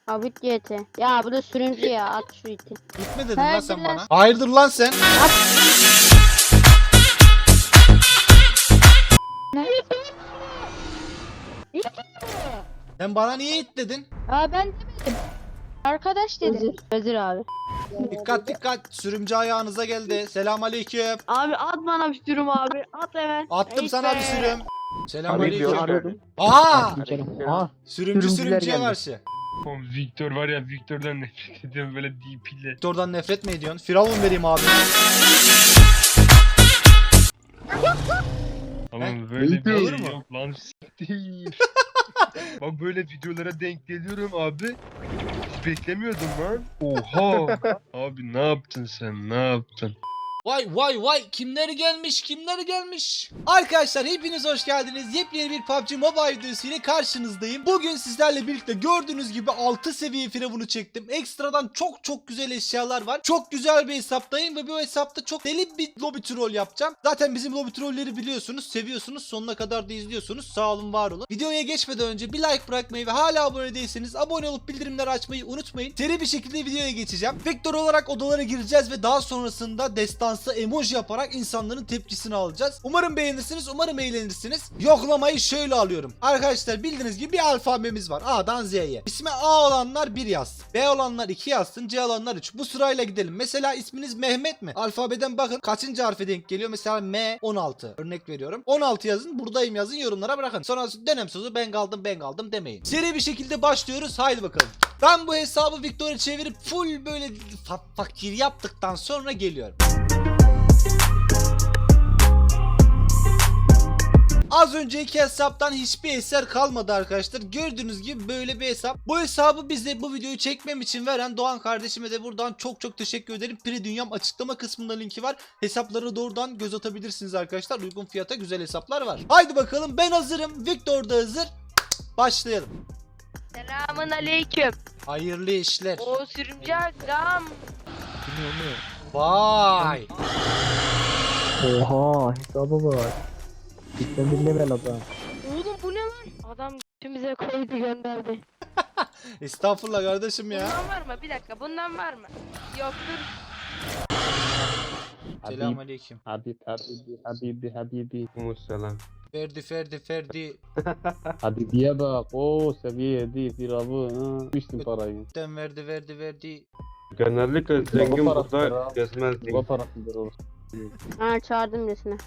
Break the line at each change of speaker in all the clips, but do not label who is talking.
Abi GT. Ya bu da sürümcü ya. At şu iti.
Gitme dedin lan
Hayırdır
sen
lan?
bana. Hayırdır lan sen? Sen bana niye it dedin?
Aa ben demedim. Arkadaş dedi. Özür abi.
Dikkat dikkat. Sürümcü ayağınıza geldi. Selamünaleyküm.
Abi at bana bir sürüm abi. At hemen.
Attım sana bir sürüm.
Arıyordum.
Selamünaleyküm. Aha!
Aa,
Sürümcü
Sürümcüler
sürümcüye
geldi.
karşı.
Oğlum Victor var ya, Victor'dan nefret ediyorum böyle DP'le.
Doktordan nefret mi ediyorsun? Firavun vereyim abi.
Ama böyle bir
Olur
şey
mu?
yok lan, değil. Bak böyle videolara denk geliyorum abi. Hiç beklemiyordum lan. Oha. Abi ne yaptın sen, ne yaptın?
Vay vay vay, kimleri gelmiş kimleri gelmiş. Arkadaşlar hepiniz hoş geldiniz. Yepyeni bir PUBG Mobile videosu ile karşınızdayım. Bugün sizlerle birlikte gördüğünüz gibi 6 seviye firavunu çektim. Ekstradan çok güzel eşyalar var. Çok güzel bir hesaptayım ve bu hesapta çok deli bir lobby troll yapacağım. Zaten bizim lobby trolleri biliyorsunuz, seviyorsunuz, sonuna kadar da izliyorsunuz. Sağ olun, var olun. Videoya geçmeden önce bir like bırakmayı ve hala abone değilseniz abone olup bildirimleri açmayı unutmayın. Seri bir şekilde videoya geçeceğim. Vektör olarak odalara gireceğiz ve daha sonrasında destansı emoji yaparak insanların tepkisini alacağız. Umarım beğenirsiniz, umarım eğlenirsiniz. Yoklamayı şöyle alıyorum. Arkadaşlar bildiğiniz gibi bir alfabemiz var. A'dan Z'ye. İsmi A olanlar 1 yazsın. B olanlar 2 yazsın. C olanlar 3. Bu sırayla gidelim. Mesela isminiz Mehmet mi? Alfabeden bakın kaçıncı harfe denk geliyor. Mesela M 16. Örnek veriyorum. 16 yazın. Buradayım yazın. Yorumlara bırakın. Sonra dönem sözü ben kaldım demeyin. Seri bir şekilde başlıyoruz. Haydi bakalım. Ben bu hesabı Victor'a çevirip full böyle fakir yaptıktan sonra geliyorum. Az önceki hesaptan hiçbir eser kalmadı arkadaşlar. Gördüğünüz gibi böyle bir hesap. Bu hesabı bize bu videoyu çekmem için veren Doğan kardeşime de buradan çok teşekkür ederim. Pri Dünyam açıklama kısmında linki var. Hesaplara doğrudan göz atabilirsiniz arkadaşlar. Uygun fiyata güzel hesaplar var. Haydi bakalım, ben hazırım. Victor da hazır. Başlayalım.
Selamun aleyküm.
Hayırlı işler.
O sürümcü agam.
Vay.
oha hesaba bak. Cidden bir level adam.
Oğlum bu ne lan? Adam götümüze koydu gönderdi.
Estağfurullah kardeşim ya.
Bundan var mı? Bir dakika, bundan var mı? Yoktur.
Selamünaleyküm.
Habibi.
Musallam.
Ferdi.
Habibiye bak. Oo seviye 7 firavun. Ha. Düştün parayı.
Den verdi.
Genellikle zengin burada gezmez.
Bu parasıdır o.
Ha, çağırdım birisine.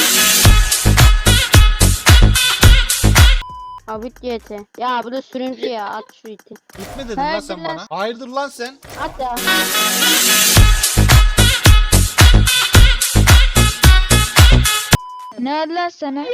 Abi GT. Ya bu da sürümcü ya. At şu iti.
Gitme dedin lan
Hayırdır
sen
lan?
bana. Hayırdır lan sen?
At ya.
Ne Allah sana?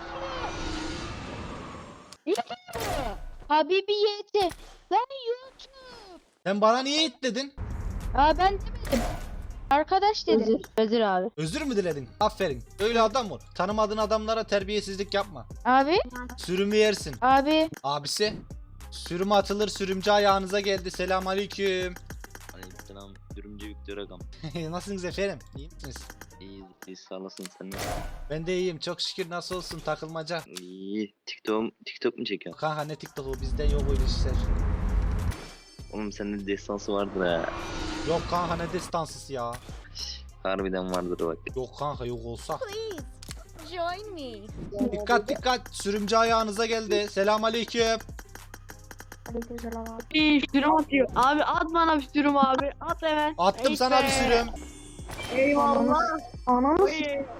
Habibi YT. Lan YouTube.
Sen bana niye it dedin?
Aa ben demedim. Arkadaş dedi. Özür abi.
Özür mü diledin? Aferin. Öyle adam ol. Tanımadığın adamlara terbiyesizlik yapma.
Abi.
Sürümü yersin.
Abi.
Abisi. Sürümü atılır, sürümcü ayağınıza geldi. Selamünaleyküm.
Aleykümselam. Sürümcü Victor Agam.
Nasılsınız efendim? İyi misiniz?
İyi sağ olasın, sen de.
Ben de iyiyim. Çok şükür. Nasıl olsun takılmaca?
İyi. TikTok mu çekiyorsun?
Kanka ne TikTok'u, bizde yok öyle işler.
Oğlum sende destansı vardır ha.
Yok kanka, ne destansısı ya.
Harbiden vardır bak.
Yok kanka, yok olsa.
Join me.
Dikkat. Sürümcü ayağınıza geldi. Selamünaleyküm.
Bir sürüm atıyor. Abi at bana bir sürüm abi. At hemen.
Attım sana bir sürüm.
Eyvallah.
Ananı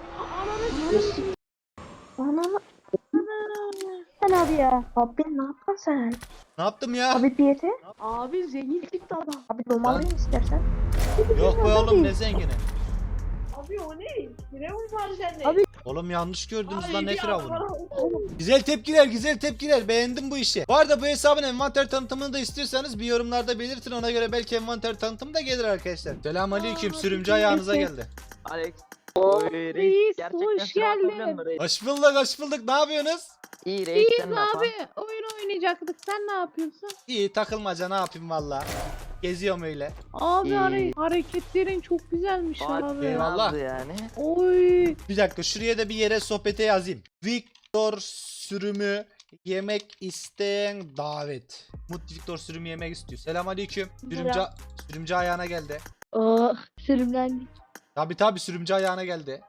sen abi ya. Abi ne yaptın sen?
Ne yaptım ya?
Abi diyete.
Abi zengin çıktı adam.
Abi normal mi istersen?
Yok be oğlum, ne zengini.
Abi o ne? Firavun var sende.
Abi-
Oğlum yanlış gördünüz
Ay,
lan, ne
bir
firavunu.
adam-
Güzel tepkiler. Beğendim bu işi. Bu arada bu hesabın envanter tanıtımını da istiyorsanız bir yorumlarda belirtin. Ona göre belki envanter tanıtımı da gelir arkadaşlar. Selamünaleyküm. Sürümcü ayağınıza geldi.
Alex.
Reis, hoş geldin.
Hoş bulduk. Ne yapıyorsunuz?
İyi reis, sen ne yapan?
Oyun oynayacaktık. Sen ne yapıyorsun?
İyi, takılmaca, ne yapayım valla. Geziyorum öyle.
Abi
İyi.
hareketlerin çok güzelmiş
Abi,
Eyvallah.
nazlı yani.
Oy.
Bir dakika, şuraya da bir yere sohbete yazayım. Victor sürümü Yemek isteyen davet. Mut Victor sürüm yemek istiyor. Selamünaleyküm. Sürümcü ayağına geldi.
Oh sürümlendik.
Tabi sürümcü ayağına geldi.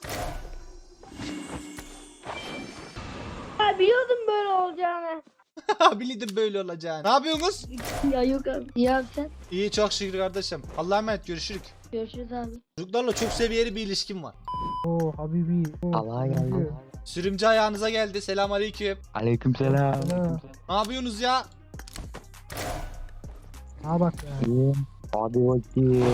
Ya biliyordum böyle olacağını.
Bildim böyle olacağını. Ne yapıyorsunuz?
Ya yok abi. İyi abi sen.
İyi çok şükür kardeşim. Allah'a emanet görüşürük.
Görüşürüz abi.
Çocuklarla çok seviyeli bir ilişkim var.
Allah'a geldi.
Sürümcü ayağınıza geldi. Selamünaleyküm.
Aleykümselam.
Ne yapıyorsunuz ya?
İyiyim. Hadi bakayım.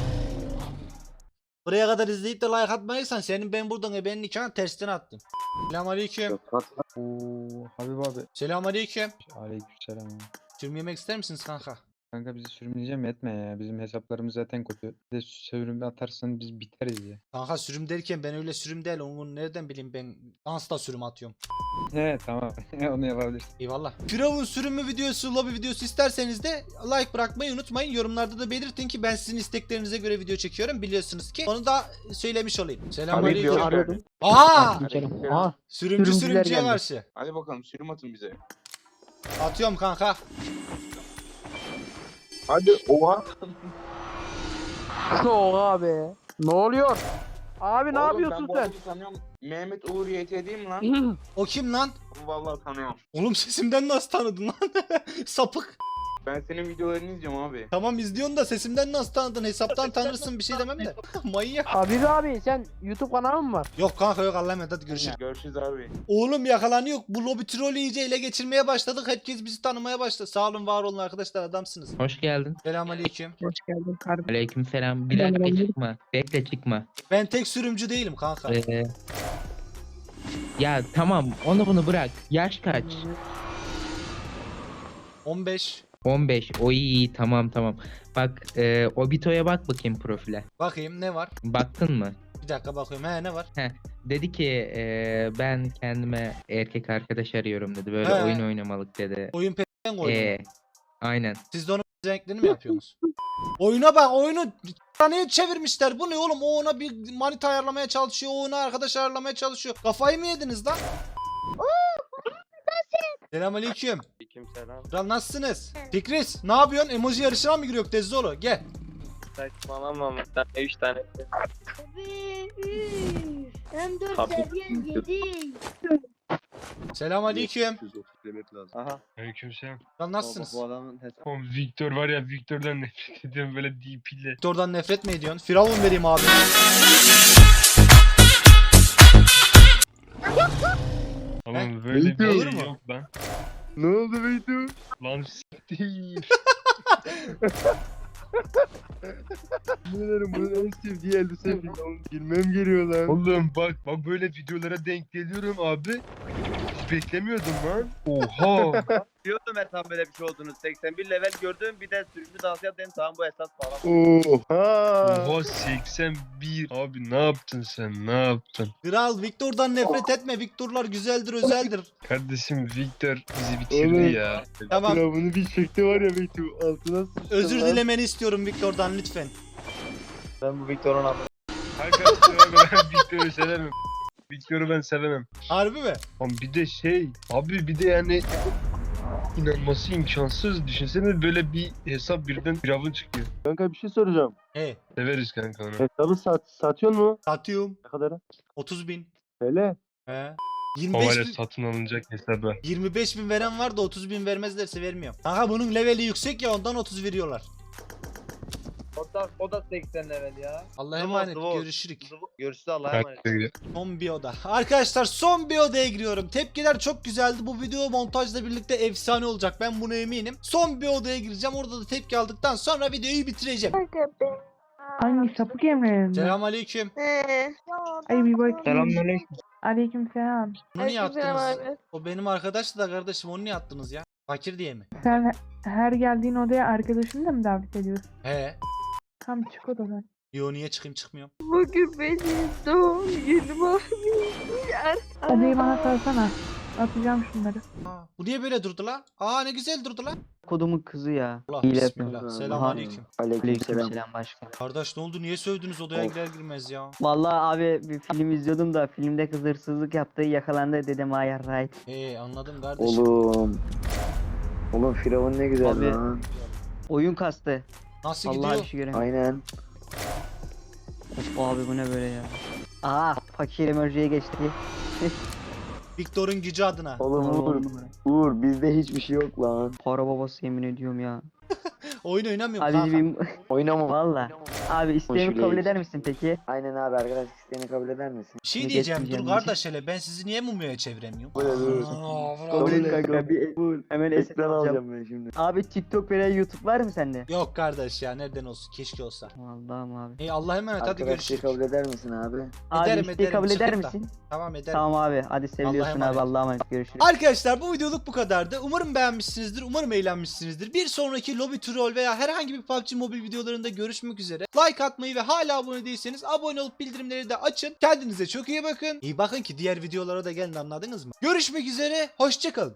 Buraya kadar izleyip de like atmayırsan senin ben buradan benim nikahını tersten attım. Selamünaleyküm.
Oo, Habib abi.
Selamünaleyküm.
Aleykümselam.
Sürüm yemek ister misiniz kanka?
Kanka bizi sürümleyeceğim etme ya. Bizim hesaplarımız zaten kötü. Bir de sürüm atarsan biz biteriz ya.
Kanka sürüm derken ben öyle sürüm değil. Onu nereden bileyim ben dansla sürüm atıyorum.
He tamam. Onu yapabilirsin.
Eyvallah. Firavun sürümü videosu, lobi videosu isterseniz de like bırakmayı unutmayın. Yorumlarda da belirtin ki ben sizin isteklerinize göre video çekiyorum. Biliyorsunuz ki. Onu da söylemiş olayım. Selamünaleyküm.
Arıyordum.
Aa!
Aa,
Sürümcü
Sürümcüler
sürümcüye
geldi.
karşı.
hadi bakalım sürüm atın bize.
Atıyorum kanka.
Hadi oha.
Oha abi. Ne oluyor? Abi ne yapıyorsun sen?
Tanıyorum. Mehmet Uğur YT değil mi lan?
O kim lan?
Vallahi tanıyorum.
Oğlum sesimden nasıl tanıdın lan? Sapık.
Ben senin videolarını izliyorum abi.
Tamam izliyorsun da sesimden nasıl tanıdın? Hesaptan tanırsın bir şey demem de. Manyak.
Habib abi sen YouTube kanalı mı var?
Yok kanka yok Allah'a emanet hadi görüşürüz.
Görüşürüz abi.
Oğlum yakalanıyor. Bu lobi trolü iyice ele geçirmeye başladık. Herkes bizi tanımaya başladı. Sağ olun var olun arkadaşlar adamsınız.
Hoş geldin.
Selamünaleyküm.
Hoş geldin kardeşim.
Aleykümselam. Bir dakika çıkma. Bekle çıkma.
Ben tek sürümcü değilim kanka.
Ya tamam onu bunu bırak. Yaş kaç?
15.
15. O iyi tamam. Bak Obito'ya bak bakayım profile.
Bakayım ne var?
Baktın mı?
Bir dakika bakıyorum. He ne var?
Dedi ki ben kendime erkek arkadaş arıyorum dedi. Böyle
He.
oyun oynamalık dedi.
Oyun peşinden koydum.
Aynen.
Siz de onun renklerini mi yapıyorsunuz? Oyuna bak oyunu niye çevirmişler? Bu ne oğlum? O ona bir manita ayarlamaya çalışıyor. O ona arkadaş ayarlamaya çalışıyor. Kafayı mı yediniz lan? Selamünaleyküm.
Aleykümselam.
Kral nasılsınız? Fikris ne yapıyorsun? Emoji yarışına mı giriyor Tezzolo? Gel.
Saçmalama. 3 tane.
Abi. Hem 4
Abi.
seviye 7.
Selamünaleyküm.
Aha.
Aleykümselam.
Kral nasılsınız?
adamın hesabı.
Oğlum Victor var ya Victor'dan nefret ediyorum böyle DP ile.
Doktordan nefret mi ediyorsun? Firavun vereyim abi.
Oğlum böyle bir
Olur
şey
mu?
yok lan.
Ne oldu Beytu?
Lan değil.
Bunların en sevdiği elbise falan. Girmem geliyor lan.
Oğlum bak böyle videolara denk geliyorum abi. Hiç beklemiyordum lan. Oha.
Diyordum ben tam böyle bir şey olduğunu. 81 level gördüm bir de sürümcü dans yap dedim tamam bu esas falan.
Oha.
Oha 81. Abi ne yaptın sen ne yaptın?
Kral Victor'dan nefret etme. Victor'lar güzeldir, özeldir.
Kardeşim Victor bizi bitirdi
Oğlum.
ya.
Tamam.
Bunu bir çekti var ya Beytu. Altına sıçtı
Özür
lan.
dilemeni istiyorum Victor'dan lütfen.
Ben bu Victor'un adını.
Kanka ben Victor'u sevemem. Victor'u ben sevemem.
Harbi mi?
Ama bir de abi bir de yani inanması imkansız. Düşünsene böyle bir hesap birden Firavun çıkıyor.
Kanka bir şey soracağım.
He.
Severiz kanka onu.
Hesabı satıyor mu?
Satıyorum.
Ne kadar?
30.000.
Hele.
He.
O
25
var ya
bin,
satın alınacak hesabı.
25.000 veren var da 30.000 vermezlerse vermiyorum. Kanka bunun leveli yüksek ya ondan 30 veriyorlar.
O da 80 level ya.
Allah'a
Zıvı,
emanet
zıvı.
görüşürük.
Görüşürüz Allah'a emanet.
Son bir oda. Arkadaşlar son bir odaya giriyorum. Tepkiler çok güzeldi. Bu video montajla birlikte efsane olacak. Ben buna eminim. Son bir odaya gireceğim. Orada da tepki aldıktan sonra videoyu bitireceğim.
Hangi sapık Emre'nin?
Selamünaleyküm.
Ay bir bakayım.
Selamünaleyküm.
Aleykümselam.
Onu niye
Aleykümselam
attınız?
abi.
O benim arkadaş da kardeşim onu niye attınız ya? Fakir diye mi?
Sen her geldiğin odaya arkadaşını da mı davet ediyorsun?
He.
Tam çık odadan.
Yo niye çıkayım çıkmıyorum.
Bugün benim doğum günüm abi.
Odayı bana salsana. Atacağım şunları.
Aa, bu niye böyle durdu la? Aa ne güzel durdu la.
Kodumun kızı ya.
Allah
Hile
bismillah.
yapıyor.
Selamünaleyküm.
Aleykümselam başkan.
Kardeş ne oldu? Niye sövdünüz odaya girer girmez ya?
Vallahi abi bir film izliyordum da filmde kız hırsızlık yaptı yakalandı dedim ayar right.
Anladım kardeşim.
Oğlum Firavun ne güzel
Abi.
lan.
Oyun kastı.
Nasıl
Vallahi
gidiyor?
bir şey göremiyorum.
Aynen.
Of abi bu ne böyle ya. Aa fakir emojiye geçti.
Victor'un gücü adına.
Oğlum Uğur bizde hiçbir şey yok lan.
Para babası yemin ediyorum ya.
Oyun oynamıyorum
Abi
kanka.
bir
Oynama.
valla. Abi isteğimi
Hoş
kabul
değil.
eder misin peki?
Aynen abi arkadaş isteğini kabul eder misin?
Bir şey
Ne
diyeceğim dur
geçmeyeceğim
kardeş hele ben sizi niye mumyaya çeviremiyorum?
Böyle
Kabul et kanka bir hemen eset
ekran
alacağım.
alacağım ben şimdi.
Abi TikTok veya YouTube var mı sende?
Yok kardeş ya nereden olsun keşke olsa.
Allah'ım abi.
Allah'a emanet hadi
Arkadaşlığı
görüşürüz.
kabul eder misin abi?
Abi
Ederim,
isteği kabul eder
çıkıp da.
misin?
Tamam ederim.
Tamam abi hadi seviyorsun
Allah'a emanet.
abi Allah'a emanet görüşürüz.
Arkadaşlar bu videoluk bu kadardı. Umarım beğenmişsinizdir. Umarım eğlenmişsinizdir. Bir sonraki lobby troll veya herhangi bir PUBG Mobile videolarında görüşmek üzere. Like atmayı ve hala abone değilseniz abone olup bildirimleri de açın. Kendinize çok iyi bakın. İyi bakın ki diğer videolara da gelin anladınız mı? Görüşmek üzere. Hoşçakalın.